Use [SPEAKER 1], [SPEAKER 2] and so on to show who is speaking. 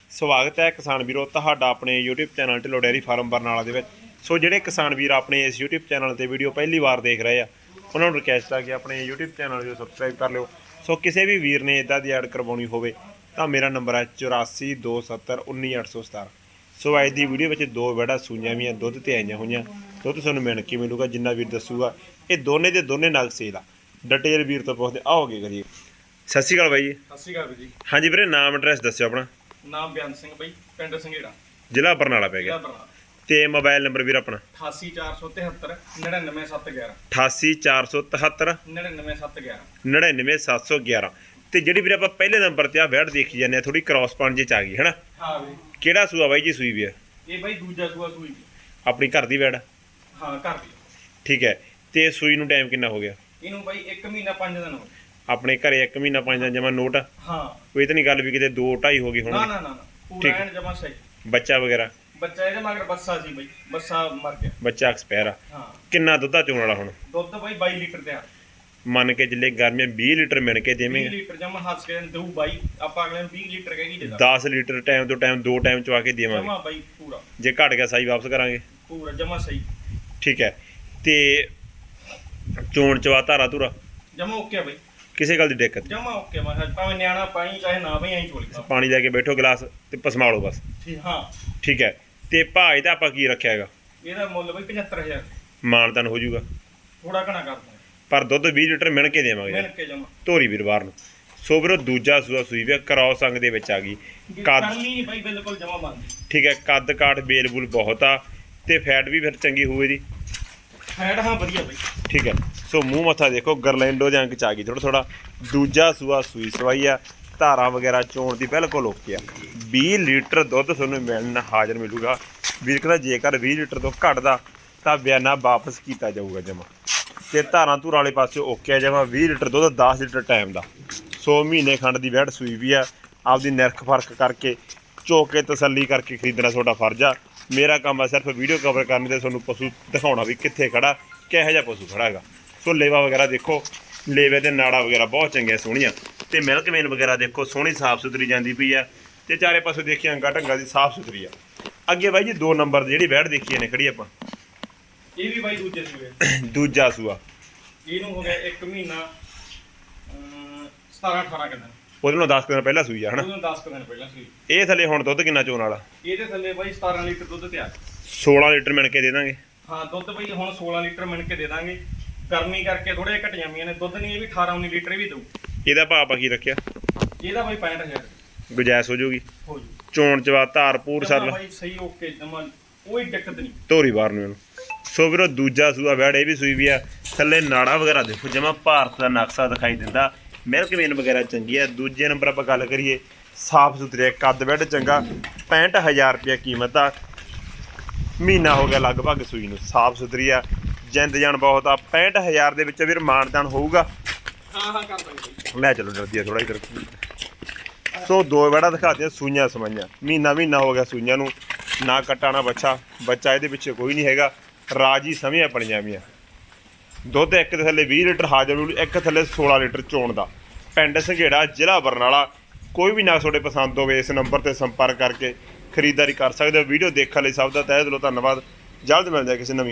[SPEAKER 1] ਸਵਾਗਤ ਹੈ ਕਿਸਾਨ ਵੀਰੋ ਤੁਹਾਡਾ ਆਪਣੇ YouTube channel Dhillon dairy farm Barnala ਦੇ ਵਿੱਚ। ਸੋ ਜਿਹੜੇ ਕਿਸਾਨ ਵੀਰ ਆਪਣੇ ਇਸ YouTube ਚੈਨਲ ਤੇ ਵੀਡੀਓ ਪਹਿਲੀ ਵਾਰ ਦੇਖ ਰਹੇ ਆ ਉਹਨਾਂ ਨੂੰ ਰਿਕਵੈਸਟ ਆ ਕਿ ਆਪਣੇ YouTube ਚੈਨਲ ਨੂੰ ਸਬਸਕ੍ਰਾਈਬ ਕਰ ਲਿਓ। ਸੋ ਕਿਸੇ ਵੀ ਵੀਰ ਨੇ ਇਦਾਂ ਦੀ ਐਡ ਕਰਵਾਉਣੀ ਹੋਵੇ ਤਾਂ ਮੇਰਾ ਨੰਬਰ ਹੈ 8427191817। ਸੋ ਅੱਜ ਦੀ ਵੀਡੀਓ ਵਿੱਚ ਦੋ ਵੜਾ ਸੂਈਆਂ ਵੀ ਦੁੱਧ ਤੇ ਆਈਆਂ ਹੋਈਆਂ। ਦੁੱਧ ਤੁਹਾਨੂੰ ਮਿਲ ਕੇ ਮਿਲੂਗਾ ਜਿੰਨਾ ਵੀਰ ਦੱਸੂਗਾ। ਇਹ ਦੋਨੇ ਦੇ ਦੋਨੇ ਨਗ ਸੇਲ ਆ। ਡਿਟੇਲ ਵੀਰ ਤੋਂ ਪੁੱਛਦੇ ਆਓਗੇ ਕਰੀਏ। ਸਤਿ ਸ਼੍ਰੀ ਅਕਾਲ ਬਾਈ ਜੀ।
[SPEAKER 2] ਸਤਿ ਸ਼੍ਰੀ ਅਕਾਲ ਜੀ।
[SPEAKER 1] ਹਾਂਜੀ ਵੀਰੇ ਨਾਮ ਐਡਰੈਸ ਦੱਸਿਓ ਆਪਣਾ।
[SPEAKER 2] ਨਾਮ ਬਿਆਨ ਸਿੰਘ ਬਾਈ, ਪਿੰਡ ਸੰਘੇੜਾ,
[SPEAKER 1] ਜ਼ਿਲ੍ਹਾ ਬਰਨਾਲਾ ਪੈ ਗਿਆ ਤੇ ਮੋਬਾਈਲ ਨੰਬਰ ਵੀਰ ਆਪਣਾ
[SPEAKER 2] 8847 99711
[SPEAKER 1] 8847
[SPEAKER 2] 99711
[SPEAKER 1] 99711। ਤੇ ਜਿਹੜੀ ਵੀਰੇ ਆਪਾਂ ਪਹਿਲੇ ਨੰਬਰ ਤੇ ਆ ਵੈੜ ਦੇਖੀ ਜਾਂਦੇ ਆ ਥੋੜੀ ਕ੍ਰਾਸ ਪਣ ਜੇ ਚ ਆ ਗਈ ਹੈਨਾ।
[SPEAKER 2] ਹਾਂ ਵੀਰੇ।
[SPEAKER 1] ਕਿਹੜਾ ਸੂਆ ਬਾਈ ਜੀ ਸੂਈ ਵੀ ਆ?
[SPEAKER 2] ਇਹ ਬਾਈ ਦੂਜਾ ਸੂਆ ਸੂਈ।
[SPEAKER 1] ਆਪਣੀ ਘਰ ਦੀ ਵੈੜ?
[SPEAKER 2] ਹਾਂ ਘਰ ਦੀ।
[SPEAKER 1] ਠੀਕ ਹੈ। ਤੇ ਸੂਈ ਨੂੰ ਟਾਈਮ ਕਿੰਨਾ ਹੋ ਗਿਆ?
[SPEAKER 2] ਇਹਨੂੰ ਬਾਈ 1 ਮਹੀਨਾ 5 ਦਿਨ ਹੋ ਗਏ।
[SPEAKER 1] ਆਪਣੇ ਘਰੇ 1 ਮਹੀਨਾ 5 ਦਿਨ ਜਮਾ ਨੋਟ?
[SPEAKER 2] ਹਾਂ।
[SPEAKER 1] ਕੋਈ ਤਾਂ ਨਹੀਂ ਗੱਲ ਵੀ ਕਿਤੇ 2 2.5 ਹੋ ਗਈ ਹੁਣ?
[SPEAKER 2] ਨਾ ਨਾ ਨਾ ਪੂਰਾ ਐਨ ਜਮਾ ਸਹੀ।
[SPEAKER 1] ਬੱਚਾ ਵਗੈਰਾ?
[SPEAKER 2] ਬੱਚਾ ਇਹਦੇ ਮਗਰ ਬੱਸਾ ਸੀ ਬਾਈ, ਬੱਸਾ ਮਰ ਗਿਆ।
[SPEAKER 1] ਬੱਚਾ ਐਕਸਪਾਇਰ ਆ?
[SPEAKER 2] ਹਾਂ।
[SPEAKER 1] ਕਿੰਨਾ ਦੁੱਧਾ ਚੋਣ ਵਾਲਾ ਹੁਣ?
[SPEAKER 2] ਦੁੱਧ ਬਾਈ 22 ਲੀਟਰ ਤੇ ਆ।
[SPEAKER 1] ਮੰਨ ਕੇ ਜਿੱਲੇ ਗਰਮੀਆਂ 20 ਲੀਟਰ ਮਿਣ ਕੇ ਦੇਵੇਂ?
[SPEAKER 2] 20 ਲੀਟਰ ਜਮਾ ਹੱਸ ਕੇ ਦਊ ਬਾਈ। ਆਪਾਂ ਅਗਲੇ ਨੂੰ 20 ਲੀਟਰ ਕਹਿ ਕੇ
[SPEAKER 1] 10 ਲੀਟਰ ਟਾਈਮ ਤੋਂ ਟਾਈਮ 2 ਟਾਈਮ ਚਵਾ ਕੇ ਦੇਵਾਂਗੇ
[SPEAKER 2] ਜਮਾ ਬਾਈ ਪੂਰਾ।
[SPEAKER 1] ਜੇ ਘਟ ਗਿਆ ਸਾਈ ਵਾਪਸ ਕਰਾਂਗੇ
[SPEAKER 2] ਪੂਰਾ ਜਮਾ ਸਹੀ।
[SPEAKER 1] ਠੀਕ ਹੈ। ਤੇ ਚੋਣ ਚਵਾ ਧਾਰਾ ਧੁਰਾ
[SPEAKER 2] ਜਮਾ ਓਕੇ ਬਾਈ,
[SPEAKER 1] ਕਿਸੇ ਗੱਲ ਦੀ ਦਿੱਕਤ?
[SPEAKER 2] ਜਮਾ ਓਕੇ। ਮੈਂ ਭਾਵੇਂ ਨਿਆਣਾ ਪਾਈ ਚਾਹੇ ਨਾ ਭਾਈ ਐਂ ਚੋਲੀ
[SPEAKER 1] ਪਾਣੀ ਲੈ ਕੇ ਬੈਠੋ ਗਲਾਸ ਤੇ ਪਸਮਾਲੋ ਬਸ।
[SPEAKER 2] ਠੀਕ। ਹਾਂ
[SPEAKER 1] ਠੀਕ ਹੈ। ਤੇ ਭਾਅ ਦਾ ਆਪਾਂ ਕੀ ਰੱਖਿਆ ਹੈਗਾ?
[SPEAKER 2] ਇਹਦਾ ਮੁੱਲ ਬਈ 75000।
[SPEAKER 1] ਮਾਨਤਾਨ ਹੋ ਜਾਊਗਾ?
[SPEAKER 2] ਥੋੜਾ ਘਣਾ ਕਰ ਦਾਂਗੇ
[SPEAKER 1] ਪਰ ਦੁੱਧ 20 ਲੀਟਰ ਮਿਣ ਕੇ ਦੇਵਾਂਗੇ
[SPEAKER 2] ਮਿਲ ਕੇ ਜਮਾ।
[SPEAKER 1] ਧੋਰੀ ਵੀਰਵਾਰ ਨੂੰ। ਸੋ ਵੀਰੋ ਦੂਜਾ ਸੂਆ ਸੂਈ ਵੀ ਕ੍ਰਾਸ ਅੰਗ ਦੇ ਵਿੱਚ ਆ ਗਈ। ਕੱਦ
[SPEAKER 2] ਨਹੀਂ ਬਾਈ ਬਿਲਕੁਲ ਜਮਾ ਬੰਦ।
[SPEAKER 1] ਠੀਕ ਹੈ। ਕੱਦ ਕਾਠ ਬੇਲ ਬੁਲ ਬਹੁਤ ਆ ਤੇ ਫੈਟ ਵੀ ਫਿਰ ਚੰਗੀ ਹੋਵੇ ਦੀ।
[SPEAKER 2] ਫੈਟ ਹਾਂ ਵਧੀਆ ਬਾਈ।
[SPEAKER 1] ਠੀਕ ਹੈ। ਸੋ ਮੂੰਹ ਮੱਥਾ ਦੇਖੋ ਗਰਲੈਂਡੋ ਦੇ ਅੰਕ ਚ ਆ ਗਈ ਥੋੜਾ ਥੋੜਾ। ਦੂਜਾ ਸੂਆ ਸੂਈ ਸਵਾਈ ਆ। ਧਾਰਾਂ ਵਗੈਰਾ ਚੋਣ ਦੀ ਬਿਲਕੁਲ ਓਕੇ ਆ। 20 ਲੀਟਰ ਦੁੱਧ ਤੁਹਾਨੂੰ ਮਿਲਣ ਹਾਜ਼ਰ ਮਿਲੂਗਾ। ਵੀਰ ਕਹਿੰਦਾ ਜੇਕਰ 20 ਲੀਟਰ ਤੋਂ ਘਟਦਾ ਤਾਂ ਬਿਆਨਾ ਵਾਪਸ ਕੀਤਾ ਜਾਊਗਾ ਜਮਾ। ਤੇ ਧਾਰਾਂ ਧੂਰਾਂ ਵਾਲੇ ਪਾਸੇ ਓਕੇ ਆ ਜਮਾ। 20 ਲੀਟਰ ਦੁੱਧ 10 ਲੀਟਰ ਟਾਈਮ ਦਾ। ਸੋ ਮਹੀਨੇ ਖੰਡ ਦੀ ਵੈੜ ਸੂਈ ਵੀ ਆ। ਆਪਦੀ ਨਿਰਖ ਫਰਕ ਕਰਕੇ ਚੋਕ ਕੇ ਤਸੱਲੀ ਕਰਕੇ ਖਰੀਦਣਾ ਤੁਹਾਡਾ ਫਰਜ਼ ਆ। ਮੇਰਾ ਕੰਮ ਆ ਸਿਰਫ ਵੀਡੀਓ ਕਵਰ ਕਰਨ ਤੇ ਤੁਹਾਨੂੰ ਪਸ਼ੂ ਦਿਖਾਉਣਾ ਵੀ ਕਿੱਥੇ ਖੜਾ ਕਿਹੋ ਜਿਹਾ ਪਸ਼ੂ ਖੜਾ ਹੈਗਾ। ਸੋ ਲੇਵਾ ਵਗੈਰਾ ਦੇਖੋ, ਲੇਵੇ ਤੇ ਨਾੜਾ ਵਗੈਰਾ ਬਹੁਤ ਚੰਗੀਆਂ ਸੋਹਣੀਆਂ। ਤੇ ਮਿਲਕ ਮੇਨ ਵਗੈਰਾ ਦੇਖੋ ਸੋਹਣੀ ਸਾਫ਼ ਸੁਥਰੀ ਜਾਂਦੀ ਪਈ ਆ। ਤੇ ਚਾਰੇ ਪਾਸੇ ਦੇਖੀ ਅੰਗਾ ਢੰਗਾ ਦੀ ਸਾਫ਼ ਸੁਥਰੀ ਆ। ਅੱਗੇ ਬਾਈ ਜੀ 2 ਨੰਬਰ ਦੀ ਜਿਹੜੀ ਵੈੜ ਦੇਖੀ ਨੇ ਖੜੀ ਆਪਾਂ,
[SPEAKER 2] ਇਹ ਵੀ ਬਾਈ ਦੂਜੇ ਸੂਏ।
[SPEAKER 1] ਦੂਜਾ ਸੂਆ।
[SPEAKER 2] ਇਹਨੂੰ ਹੋ ਗਿਆ 1 ਮਹੀਨਾ 17-18 ਦਿਨ।
[SPEAKER 1] ਉਹਦੇ ਨਾਲ 10 ਦਿਨ ਪਹਿਲਾਂ ਸੂਈ ਆ ਹਨਾ?
[SPEAKER 2] ਉਹਨੂੰ 10 ਦਿਨ ਪਹਿਲਾਂ ਸੂਈ।
[SPEAKER 1] ਇਹ ਥੱਲੇ ਹੁਣ ਦੁੱਧ ਕਿੰਨਾ ਚੋਣ ਵਾਲਾ?
[SPEAKER 2] ਇਹਦੇ ਥੱਲੇ ਬਾਈ 17 ਲੀਟਰ ਦੁੱਧ ਤਿਆਰ।
[SPEAKER 1] 16 ਲੀਟਰ ਮਿਣ ਕੇ ਦੇ ਦਾਂਗੇ? ਹਾਂ
[SPEAKER 2] ਦੁੱਧ ਬਾਈ ਹੁਣ 16 ਲੀਟਰ ਮਿਣ ਕੇ ਦੇ ਦਾਂਗੇ। ਗਰਮੀ ਕਰਕੇ ਥੋੜੇ ਘਟ ਜਾਂਦੀਆਂ ਨੇ ਦੁੱਧ। ਨਹੀਂ ਇਹ ਵੀ 18-19 ਲੀਟਰ ਵੀ ਦਊ।
[SPEAKER 1] ਇਹਦਾ ਭਾਅ ਆਪਾਂ ਕੀ ਰੱਖਿਆ?
[SPEAKER 2] ਇਹਦਾ ਬਾਈ 65000
[SPEAKER 1] ਗੁਜਾਇਸ਼ ਹੋ ਜੂਗੀ?
[SPEAKER 2] ਹੋ ਜੂ।
[SPEAKER 1] ਚੋਣ ਚਵਾ ਧਾਰ ਪੂਰ ਸਰ
[SPEAKER 2] ਬਾਈ ਸਹੀ ਓਕੇ ਜਮਾ ਕੋਈ ਦਿੱਕਤ ਨਹੀਂ।
[SPEAKER 1] ਧੋਰੀ ਬਾਹਰ ਨੂੰ ਇਹਨੂੰ। ਸੋ ਵੀਰੋ ਦੂਜਾ ਸੂਆ ਵੈੜ ਇਹ ਵੀ ਸੂਈ ਵੀ ਆ। ਥੱਲੇ ਨਾੜਾ ਵਗੈਰਾ ਦੇਖੋ ਜਮਾ ਭਾਰਤ ਦਾ ਨਕਸ਼ਾ ਦਿਖਾਈ ਦਿੰਦਾ। ਮਿਲਕ ਮੇਨ ਵਗੈਰਾ ਚੰਗੀ ਆ। ਦੂਜੇ ਨੰਬਰ ਆਪਾਂ ਗੱਲ ਕਰੀਏ ਸਾਫ ਸੁਥਰੇ ਕੱਦ ਵੈੜ ਚੰਗਾ। 65000 ਰੁਪਇਆ ਕੀਮਤ ਆ। ਮਹੀਨਾ ਹੋ ਗਿਆ ਲਗਭਗ ਸੂਈ ਨੂੰ। ਸਾਫ ਸੁਥਰੀ ਆ। ਜਿੰਦ ਜਾਨ ਬਹੁਤ ਆ। 65000 ਦੇ ਵਿੱਚ ਵੀਰ ਮਾਨਦਾਨ ਹੋਊਗਾ?
[SPEAKER 2] ਹਾਂ ਕਰ ਦਾਂਗੇ।
[SPEAKER 1] ਲੈ ਚਲੋ ਜਲਦੀ ਆ ਥੋੜਾ ਇਧਰ। ਸੋ 2 ਵੈੜਾਂ ਦਿਖਾਤੀਆਂ ਸੂਈਆਂ ਸਮਾਈਆਂ। ਮਹੀਨਾ ਹੋ ਗਿਆ ਸੂਈਆਂ ਨੂੰ। ਨਾ ਕੱਟਾ ਨਾ ਬੱਚਾ। ਬੱਚਾ ਇਹਦੇ ਪਿੱਛੇ ਕੋਈ ਨਹੀਂ ਹੈਗਾ। ਰਾਜੀ ਸਮੀਆਂ ਬਣੀਆਂ ਵੀਆਂ। ਦੁੱਧ ਇੱਕ ਦੇ ਥੱਲੇ 20 ਲੀਟਰ ਹਾਜ਼ਰ ਮਿਲੂ, ਇੱਕ ਥੱਲੇ 16 ਲੀਟਰ ਚੋਣ ਦਾ। ਪਿੰਡ ਸੰਘੇੜਾ, ਜ਼ਿਲ੍ਹਾ ਬਰਨਾਲਾ। ਕੋਈ ਵੀ ਨਾ ਤੁਹਾਡੇ ਪਸੰਦ ਹੋਵੇ ਇਸ ਨੰਬਰ ਤੇ ਸੰਪਰਕ ਕਰਕੇ ਖਰੀਦਦਾਰੀ ਕਰ ਸਕਦੇ ਹੋ। ਵੀਡੀਓ ਦੇਖਣ ਲਈ ਸਭ ਦਾ ਤਹਿ ਦਿਲੋਂ ਧੰਨਵਾਦ। ਜਲਦ ਮਿਲਦੇ ਕਿਸੇ ਨਵੀਂ